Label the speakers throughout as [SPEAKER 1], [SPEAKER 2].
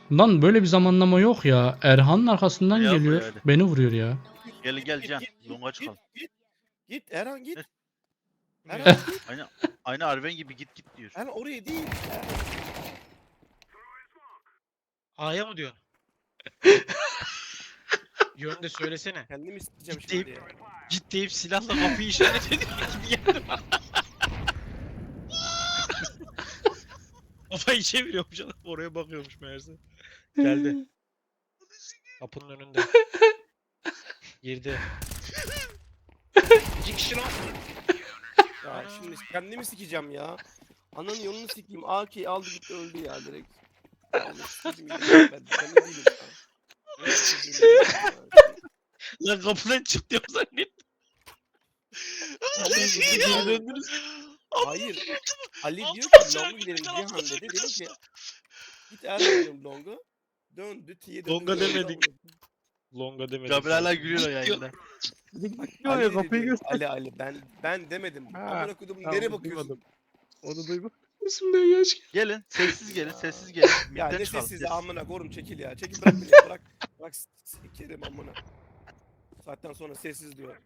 [SPEAKER 1] Lan böyle bir zamanlama yok ya. Erhan'ın arkasından
[SPEAKER 2] Ya
[SPEAKER 1] geliyor.
[SPEAKER 2] buraya hadi.
[SPEAKER 1] Beni vuruyor ya.
[SPEAKER 2] Gel Can. Longa
[SPEAKER 3] Git
[SPEAKER 2] çıkalım.
[SPEAKER 3] git Erhan git.
[SPEAKER 2] Ne?
[SPEAKER 3] Erhan git.
[SPEAKER 2] Aynı Arven gibi git diyor.
[SPEAKER 3] Erhan oraya değil.
[SPEAKER 4] A'ya mı diyorsun? Yönde söylesene.
[SPEAKER 3] Kendim isteyeceğim
[SPEAKER 4] Git
[SPEAKER 3] şimdi
[SPEAKER 4] deyip-
[SPEAKER 3] ya.
[SPEAKER 4] Git deyip silahla kapıyı işaret ediyor gibi geldi bana. Kafayı çeviriyormuş adam oraya bakıyormuş meğerse. Geldi. Kapının önünde. Girdi. İki kişi lan.
[SPEAKER 3] Ya şimdi kendimi sikeceğim ya. Ananın yolunu sikeyim. AK aldı gitti öldü ya direkt. Allah sikeyim ya. Ben ne değilim ya.
[SPEAKER 4] Lan kapıdan çık diyor zannettim. Geri döndünüz.
[SPEAKER 3] Hayır. Ali diyor
[SPEAKER 5] Altıma
[SPEAKER 3] ki
[SPEAKER 5] sıra
[SPEAKER 3] Long'a gidelim
[SPEAKER 5] gittik,
[SPEAKER 3] Cihan
[SPEAKER 5] altıma
[SPEAKER 3] dedi.
[SPEAKER 5] sıra
[SPEAKER 3] Dedim ki
[SPEAKER 5] kaçtı.
[SPEAKER 3] git Erhan diyorum Long'a. Döndü T'ye döndü.
[SPEAKER 4] Longa
[SPEAKER 3] öldü
[SPEAKER 4] demedik.
[SPEAKER 3] amına.
[SPEAKER 4] Longa demedik.
[SPEAKER 2] Gabriel hala gülüyor yayında.
[SPEAKER 3] Ali dedi diyorum. Ali ben demedim.
[SPEAKER 4] Ha,
[SPEAKER 3] Amına koydum
[SPEAKER 4] tamam,
[SPEAKER 3] nereye bakıyorsun?
[SPEAKER 4] duymadım. Onu duydum.
[SPEAKER 1] Üstümden yaş geliyor.
[SPEAKER 2] Gelin sessiz gelin sessiz gelin.
[SPEAKER 3] Ya
[SPEAKER 2] Midden
[SPEAKER 3] ne
[SPEAKER 2] çıkalım,
[SPEAKER 3] sessiz
[SPEAKER 2] sessiz.
[SPEAKER 3] amına korum çekil ya. Çekil bırak beni bırak. Bırak sikerim amına. Saatten sonra sessiz diyor.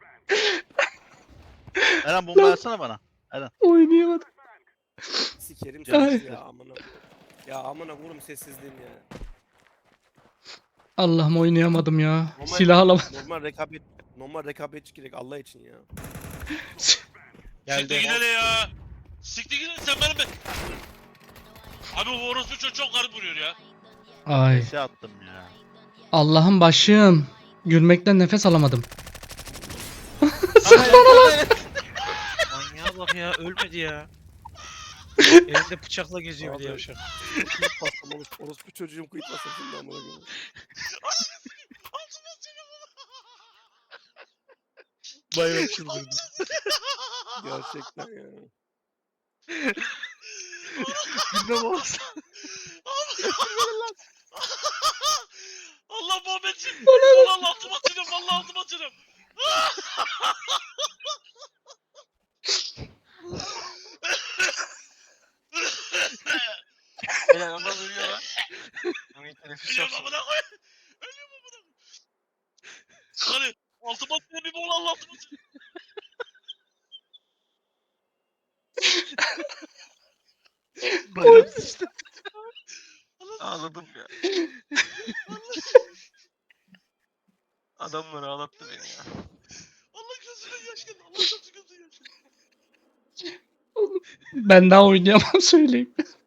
[SPEAKER 2] Eren bomba atsana bana.
[SPEAKER 1] Oynayamadım.
[SPEAKER 3] Sikerim
[SPEAKER 1] Ay.
[SPEAKER 3] sessiz ya amına. Ya amına korum sessizliğin ya.
[SPEAKER 1] Allah'ım oynayamadım ya.
[SPEAKER 3] Normal-
[SPEAKER 1] Silah alamadım.
[SPEAKER 3] Normal rekabetçi gerek Allah için ya.
[SPEAKER 5] Siktir
[SPEAKER 4] Geldi.
[SPEAKER 5] gidene ya. Siktir gidene sen benim Abi o orospu çocuğu çok garip vuruyor ya.
[SPEAKER 1] Ay.
[SPEAKER 2] Şey attım ya.
[SPEAKER 1] Allah'ım başım. Gülmekten nefes alamadım.
[SPEAKER 4] Manyağa bak ya ölmedi ya. Elinde bıçakla geziyor bir de
[SPEAKER 3] Abi.
[SPEAKER 4] yavşak.
[SPEAKER 3] Kuyut bastım orospu çocuğum kuyut bastım şimdi amına koyayım.
[SPEAKER 5] Altıma sıra.
[SPEAKER 4] Bayram çıldırdı.
[SPEAKER 3] Gerçekten ya.
[SPEAKER 4] Gülme olsa.
[SPEAKER 5] Allah Muhammed'cim. Allah altıma sıçrım. Allah altıma sıçrım.
[SPEAKER 4] Helal adam ölüyor lan. Onu teneffüs
[SPEAKER 5] Ölüyorum
[SPEAKER 4] yapsın.
[SPEAKER 5] amına koy. Ölüyorum amına koy. Hadi altıma sıçrım bir bol Allah altıma sıçrım.
[SPEAKER 4] Bayram sıçtı. Ağladım ya. Adamlar ağlattı beni ya.
[SPEAKER 5] Allah gözüne yaş geldi. Allah gözüne yaş geldi.
[SPEAKER 1] Ben daha oynayamam söyleyeyim.